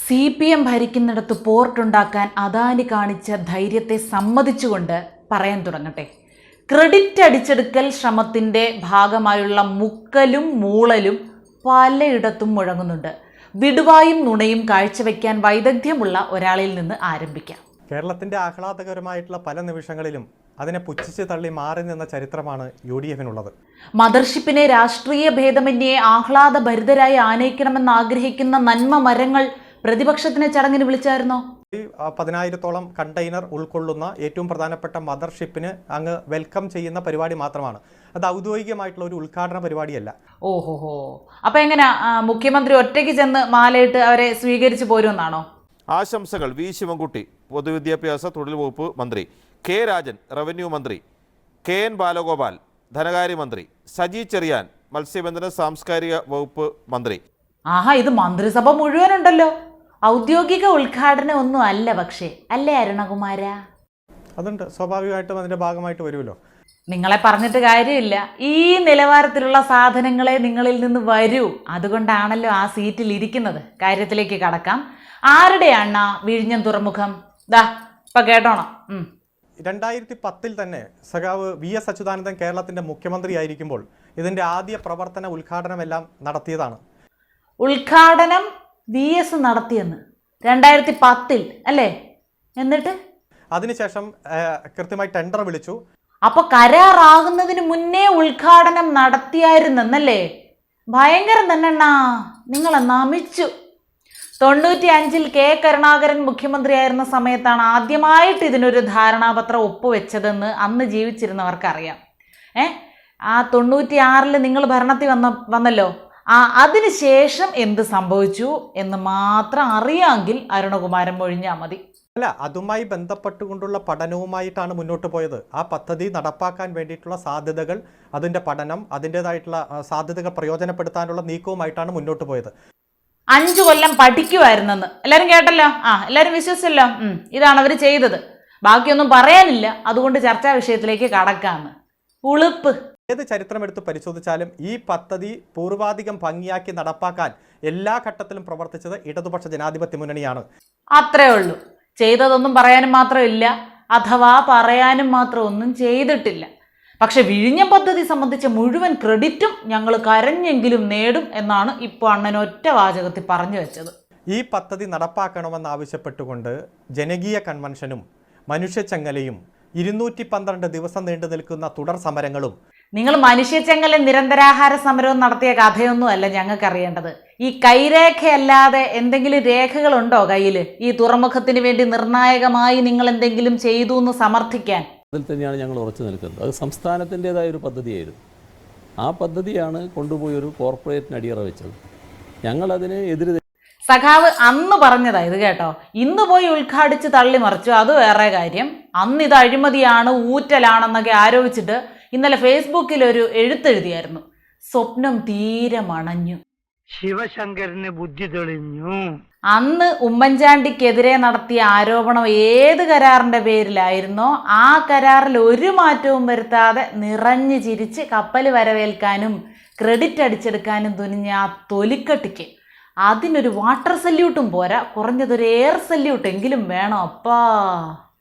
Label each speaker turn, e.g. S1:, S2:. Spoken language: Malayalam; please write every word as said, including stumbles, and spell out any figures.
S1: സി പി എം ഭരിക്കുന്നിടത്ത് പോർട്ടുണ്ടാക്കാൻ അദാനി കാണിച്ച ധൈര്യത്തെ സമ്മതിച്ചുകൊണ്ട് പറയാൻ തുടങ്ങട്ടെ. ക്രെഡിറ്റ് അടിച്ചെടുക്കൽ ശ്രമത്തിൻ്റെ ഭാഗമായുള്ള മുക്കലും മൂളലും പലയിടത്തും മുഴങ്ങുന്നുണ്ട്. വിടുവായും നുണയും കാഴ്ചവെക്കാൻ വൈദഗ്ധ്യമുള്ള ഒരാളിൽ നിന്ന് ആരംഭിക്കാം.
S2: കേരളത്തിൻ്റെ ആഹ്ലാദകരമായിട്ടുള്ള പല നിമിഷങ്ങളിലും അതിനെ പുച്ഛിച്ച് തള്ളി മാറി നിന്ന ചരിത്രമാണ് യു ഡി എഫിനുള്ളത്.
S1: മദർഷിപ്പിനെ രാഷ്ട്രീയ ഭേദമന്യേ ആഹ്ലാദഭരിതരായി ആനയിക്കണമെന്ന് ആഗ്രഹിക്കുന്ന നന്മ മരങ്ങൾ പ്രതിപക്ഷത്തിനെ ചടങ്ങിന് വിളിച്ചായിരുന്നോ?
S2: പതിനായിരത്തോളം കണ്ടെയ്നർ ഉൾക്കൊള്ളുന്ന ഏറ്റവും പ്രധാനപ്പെട്ട മദർഷിപ്പിന് അങ്ങ് വെൽക്കം ചെയ്യുന്ന പരിപാടി മാത്രമാണ്. അത് ഔദ്യോഗികമായിട്ടുള്ള ഒരു ഉദ്ഘാടന പരിപാടിയല്ല.
S1: ഓഹോഹോ, അപ്പൊ എങ്ങനെ മുഖ്യമന്ത്രി ഒറ്റയ്ക്ക് ചെന്ന് മാലയിട്ട് അവരെ സ്വീകരിച്ചു പോരുമെന്നാണോ?
S3: ആശംസകൾ വി ശിവൻകുട്ടി പൊതുവിദ്യാഭ്യാസ തൊഴിൽ വകുപ്പ് മന്ത്രി, കെ രാജൻ റവന്യൂ മന്ത്രി, കെ എൻ ബാലഗോപാൽ ധനകാര്യമന്ത്രി, സജി ചെറിയാൻ മത്സ്യബന്ധന സാംസ്കാരിക വകുപ്പ് മന്ത്രി.
S1: ആഹാ, ഇത് മന്ത്രിസഭ മുഴുവനുണ്ടല്ലോ. ഔദ്യോഗിക ഉദ്ഘാടനം ഒന്നും അല്ല പക്ഷേ, അല്ലേ അരുണകുമാര?
S2: അതുണ്ട്, സ്വാഭാവികമായിട്ടും അതിന്റെ ഭാഗമായിട്ട് വരുമല്ലോ.
S1: നിങ്ങളെ പറഞ്ഞിട്ട് കാര്യമില്ല. ഈ നിലവാരത്തിലുള്ള സാധനങ്ങളെ നിങ്ങളിൽ നിന്ന് വരൂ. അതുകൊണ്ടാണല്ലോ ആ സീറ്റിൽ ഇരിക്കുന്നത്. കാര്യത്തിലേക്ക് കടക്കാം. ആരുടെയാണ് വിഴിഞ്ഞം തുറമുഖം? ദാ ഇപ്പൊ കേട്ടോണം.
S2: രണ്ടായിരത്തി പത്തിൽ തന്നെ സഖാവ് വി എസ് അച്യുതാനന്ദൻ കേരളത്തിന്റെ മുഖ്യമന്ത്രി ആയിരിക്കുമ്പോൾ ഇതിന്റെ ആദ്യ പ്രവർത്തന ഉദ്ഘാടനമെല്ലാം നടത്തിയതാണ്.
S1: ഉദ്ഘാടനം വി എസ് നടത്തിയെന്ന് രണ്ടായിരത്തി പത്തിൽ അല്ലേ? എന്നിട്ട്
S2: അതിനുശേഷം കൃത്യമായി ടെൻഡർ വിളിച്ചു.
S1: അപ്പൊ കരാറാകുന്നതിന് മുന്നേ ഉദ്ഘാടനം നടത്തിയായിരുന്നല്ലേ? ഭയങ്കരം തന്നെണ്ണാ, നിങ്ങളെ നമിച്ചു. തൊണ്ണൂറ്റി അഞ്ചിൽ കെ കരുണാകരൻ മുഖ്യമന്ത്രിയായിരുന്ന സമയത്താണ് ആദ്യമായിട്ട് ഇതിനൊരു ധാരണാപത്രം ഒപ്പുവെച്ചതെന്ന് അന്ന് ജീവിച്ചിരുന്നവർക്കറിയാം. ഏ ആ തൊണ്ണൂറ്റി ആറിൽ നിങ്ങൾ ഭരണത്തിൽ വന്ന വന്നല്ലോ ആ അതിനുശേഷം എന്ത് സംഭവിച്ചു എന്ന് മാത്രം അറിയാമെങ്കിൽ അരുണകുമാരൻ മൊഴിഞ്ഞാൽ മതി.
S2: അല്ല, അതുമായി ബന്ധപ്പെട്ടുകൊണ്ടുള്ള പഠനവുമായിട്ടാണ് മുന്നോട്ട് പോയത്. ആ പദ്ധതി നടപ്പാക്കാൻ വേണ്ടിയിട്ടുള്ള സാധ്യതകൾ, അതിൻ്റെ പഠനം, അതിൻ്റെതായിട്ടുള്ള സാധ്യതകൾ പ്രയോജനപ്പെടുത്താനുള്ള നീക്കവുമായിട്ടാണ് മുന്നോട്ട് പോയത്.
S1: അഞ്ചു കൊല്ലം പഠിക്കുമായിരുന്നെന്ന് എല്ലാവരും കേട്ടല്ലോ. ആ എല്ലാവരും വിശ്വസിച്ചല്ലോ. ഇതാണ് അവർ ചെയ്തത്. ബാക്കിയൊന്നും പറയാനില്ല. അതുകൊണ്ട് ചർച്ചാ വിഷയത്തിലേക്ക് കടക്കാന്ന്. ഉളുപ്പ്.
S2: ഏത് ചരിത്രം എടുത്ത് പരിശോധിച്ചാലും ഈ പദ്ധതി പൂർവാധികം ഭംഗിയാക്കി നടപ്പാക്കാൻ എല്ലാ ഘട്ടത്തിലും പ്രവർത്തിച്ചത് ഇടതുപക്ഷ ജനാധിപത്യ മുന്നണിയാണ്.
S1: അത്രേ ഉള്ളൂ. ചെയ്തതൊന്നും പറയാനും മാത്രമില്ല, അഥവാ പറയാനും മാത്രം ഒന്നും ചെയ്തിട്ടില്ല. പക്ഷെ വിഴിഞ്ഞം പദ്ധതി സംബന്ധിച്ച മുഴുവൻ ക്രെഡിറ്റും ഞങ്ങൾ കരഞ്ഞെങ്കിലും നേടും എന്നാണ് ഇപ്പോൾ അണ്ണൻ ഒറ്റ വാചകത്തിൽ പറഞ്ഞു വെച്ചത്.
S2: ഈ പദ്ധതി നടപ്പാക്കണമെന്നാവശ്യപ്പെട്ടുകൊണ്ട് ജനകീയ കൺവെൻഷനും മനുഷ്യച്ചങ്ങലയും ഇരുന്നൂറ്റി പന്ത്രണ്ട് ദിവസം നീണ്ടു നിൽക്കുന്ന തുടർ സമരങ്ങളും.
S1: നിങ്ങൾ മനുഷ്യച്ചങ്ങല നിരന്തരാഹാര സമരവും നടത്തിയ കഥയൊന്നും അല്ല ഞങ്ങൾക്ക് അറിയേണ്ടത്. ഈ കൈരേഖയല്ലാതെ എന്തെങ്കിലും രേഖകളുണ്ടോ കയ്യിൽ? ഈ തുറമുഖത്തിന് വേണ്ടി നിർണായകമായി നിങ്ങൾ എന്തെങ്കിലും ചെയ്തു എന്ന് സമർത്ഥിക്കാൻ?
S4: അതിൽ തന്നെയാണ് ഞങ്ങൾ ഉറച്ചു നിൽക്കുന്നത്. അത് സംസ്ഥാനത്തിൻ്റെതായ ഒരു പദ്ധതിയായിരുന്നു. ആ പദ്ധതിയാണ് കൊണ്ടുപോയി ഒരു കോർപ്പറേറ്റിന് അടിയറ വെച്ചത്. ഞങ്ങളതിന് എതിര്.
S1: സഖാവ് അന്ന് പറഞ്ഞതാ ഇത് കേട്ടോ. ഇന്ന് പോയി ഉദ്ഘാടിച്ച് തള്ളിമറിച്ചു, അത് വേറെ കാര്യം. അന്ന് ഇത് അഴിമതിയാണ്, ഊറ്റലാണെന്നൊക്കെ ആരോപിച്ചിട്ട് ഇന്നലെ ഫേസ്ബുക്കിൽ ഒരു എഴുത്തെഴുതിയായിരുന്നു. സ്വപ്നം തീരെ മണഞ്ഞു,
S5: ശിവശങ്കരന് ബുദ്ധി തെളിഞ്ഞു.
S1: അന്ന് ഉമ്മൻചാണ്ടിക്കെതിരെ നടത്തിയ ആരോപണം ഏത് കരാറിന്റെ പേരിലായിരുന്നോ ആ കരാറിൽ ഒരു മാറ്റവും വരുത്താതെ നിറഞ്ഞു ചിരിച്ച് കപ്പൽ വരവേൽക്കാനും ക്രെഡിറ്റ് അടിച്ചെടുക്കാനും തുനിഞ്ഞ ആ തൊലിക്കട്ടിക്ക് അതിനൊരു വാട്ടർ സല്യൂട്ടും പോരാ, കുറഞ്ഞതൊരു എയർ സല്യൂട്ടെങ്കിലും വേണം അപ്പാ.